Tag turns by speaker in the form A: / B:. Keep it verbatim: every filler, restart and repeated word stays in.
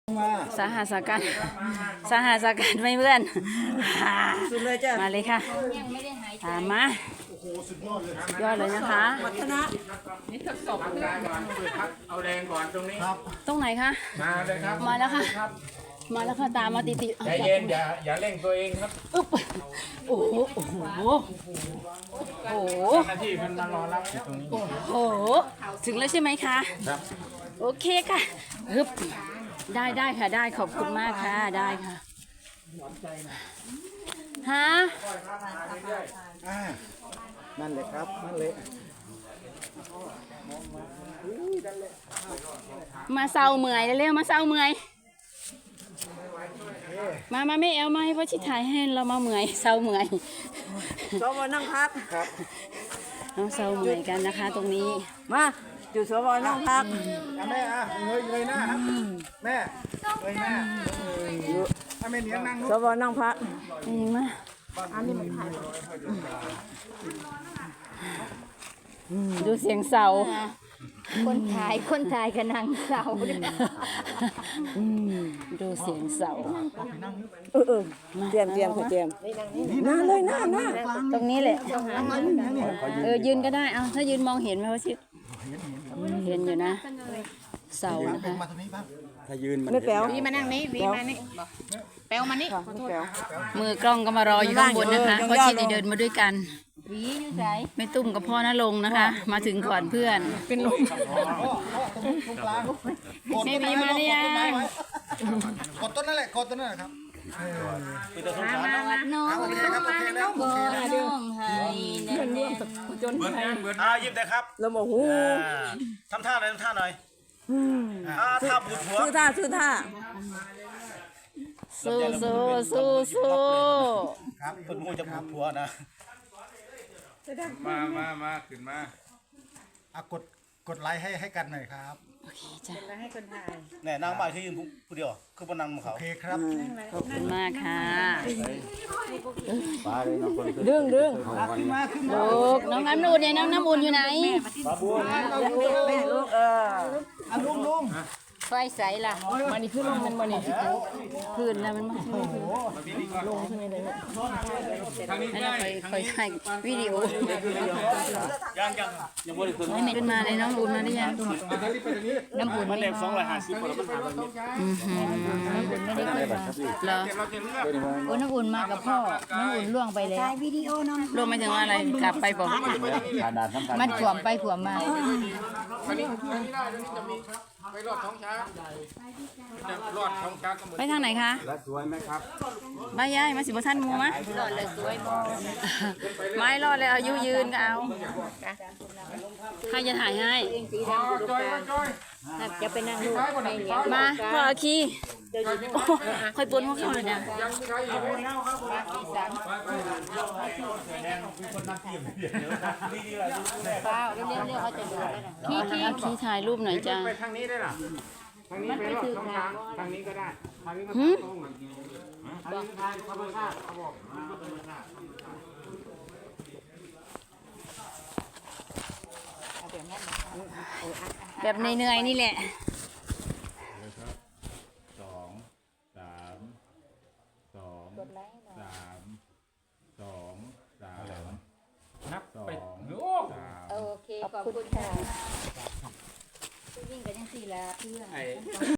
A: สาหัสกันสาหัสกันไม่เพื่อนสุดเลยจ้ะมาเลยค่ะตามมาสุดยอดเลยนะคะ
B: วัฒนะนี่ทดสอบเอาแรงก่อนตรงนี้ครับ
A: ตรงไหนคะ
B: มาเลยครับ
A: มาแล้วค่ะมาแล้วค่ะตามมาติติ
B: ใจเย็นอย่าอย่าเร่งตัวเองครับ
A: อึ๊บโอ้โหโอ้โหโอ้โห
B: หน้าที่มันมารอรับอยู่ตรงนี้
A: โอ้โหถึงแล้วใช่ไหมคะ
B: ครับ
A: โอเคค่ะฮึบได้ได้ค่ะได้ขอบคุณมากค่ะได้ค่ะฮะ
C: นั่นเลยครับนั่นเลย
A: มาเศร้าเมื่อยเร็วๆมาเศร้าเมื่อยมามาไม่เอามาให้พ่อชิดถ่ายให้เรามาเมื่อยเศร้าเมื่อย
C: สวนั่งพักครับ
A: น้องเศร้าเมื่อยกันนะคะตรงนี้
C: มาจุดสวนั่งพักแม่อ่ะเงยเงยหน้าครับแม่เงยหน้าถ้าแม่เนี้ยนั่งสวนั่งพัก
A: นี่มา
C: อันนี้มันถ่าย
A: ดูเสียงเสา
D: คนถ่ายคนถ่ายกับนางเสา
A: ดูเสียงเสา
C: เออเออเตรียมเตรียมเตรียมหน้าเลยหน้าหน้า
A: ตรงนี้แหละเออยืนก็ได้เอาถ้ายืนมองเห็นไหมว่าชิดเห็นอยู่นะเสานะคะ
C: ถ้ายืนมันไม่แป๋ว
D: วีมานั่งนี้วีมานี่แป๋วมานี่
A: มือกล้องก็มารออยู่ข้างบนนะคะเพราะชิดเดินมาด้วยกัน
D: วีอยู่ไหน
A: ไม่ตุ้มกับพ่อนะลงนะคะมาถึงก่อนเพื่อนเป็นลมแม่วีมาหรือยัง
C: กดต้นนั่นแหละกดต้นนั่นแหละครับ
D: มามาวัดน้องมามาน้องโบน้องไทยเดินร่วมจนไทย
E: อ่ายิบได้ครับ
C: แล้วโอ้โห
E: ทำท่าหน่อยทำท่าหน่อยอ่าท่าบุดหัว
C: ซื้อท่าซื้อท่า
A: สู้สู้สู้สู้
E: ครับคนมูจะบุดหัวนะ
B: มามามาขึ้นมา
C: อ่ะกดกดไลค์ให้ให้กันหน่อยครับ
A: โอเคจ้ะ
D: แล้วให้คนถ่าย
E: แน่นางบ่ายที่ยืนผู้เดียวคือบนนางของเขา
C: โอเคครับ
A: ขอบคุณมากค่ะ
C: ดึงดึง
A: ขึ้นมาขึ้นมาลูกน้องน้ำอุ่นเนี่ยน้องน้ำอุ่นอยู่ไหน
C: บาบูนแม่ลูกเอออ่ะลุงลุง
A: ไฟใสล่ะมันนี่ขึ้นลงมันมันนี่ขึ้นแล้วมันมาลงขึ้นเลยให้เราคอยคอยถ่ายวิดีโอ
E: ยังยังยังไม่ได้ขึ้น
A: ไม่ขึ้นมาเลยน้องอุ่นมาได้ยังน้ำอุ่น
E: มันเล็บสองร้อยห้าสิบคนแล้วมันหาแบบนี้
A: อือหือน้ำอุ่นไม่ได้ขึ้นมาเหรอ
D: โอ้น้ำอุ่นมากับพ่อน้ำอุ่นล่วงไปแล้ววิดีโอน้อง
A: ล่วงไม่ถึงอะไรกลับไปบอก
D: มันขวมไปขวมมา
B: ไปรอดท้องช้างรอดท้องช้างก็เหมือน
A: ไปทางไหนคะ
E: สวยไหมครับ
A: ใบยายมาสิบท่านมูมะ
D: รอดเลยสวยมาก
A: ไม่รอดเลยอายุยืนก็เอาใครจะถ่ายให้
D: จะไปนั่งลูก
A: มาพ่ออาคีค่อยปนพวกเขาเลยนะ
D: เปล่าเรียกเรียกเขาจะดูแล้วนะขี้ขี้
A: อาคีถ่ายรูปหน่อยจ้า
B: ไปทางนี้ได้หรอทางนี้ไปรอดท้องช้างทางนี้ก็ได้ทางนี้ก็ตรงทางนี้ทางธรรมชาติเขาบอก
A: แบบเหนื่อยๆนี่แหละ
B: สองสามสองสามสองสามนับไป
D: โอเคขอบคุณค่ะวิ่งกันยังสี่ละเพื่อน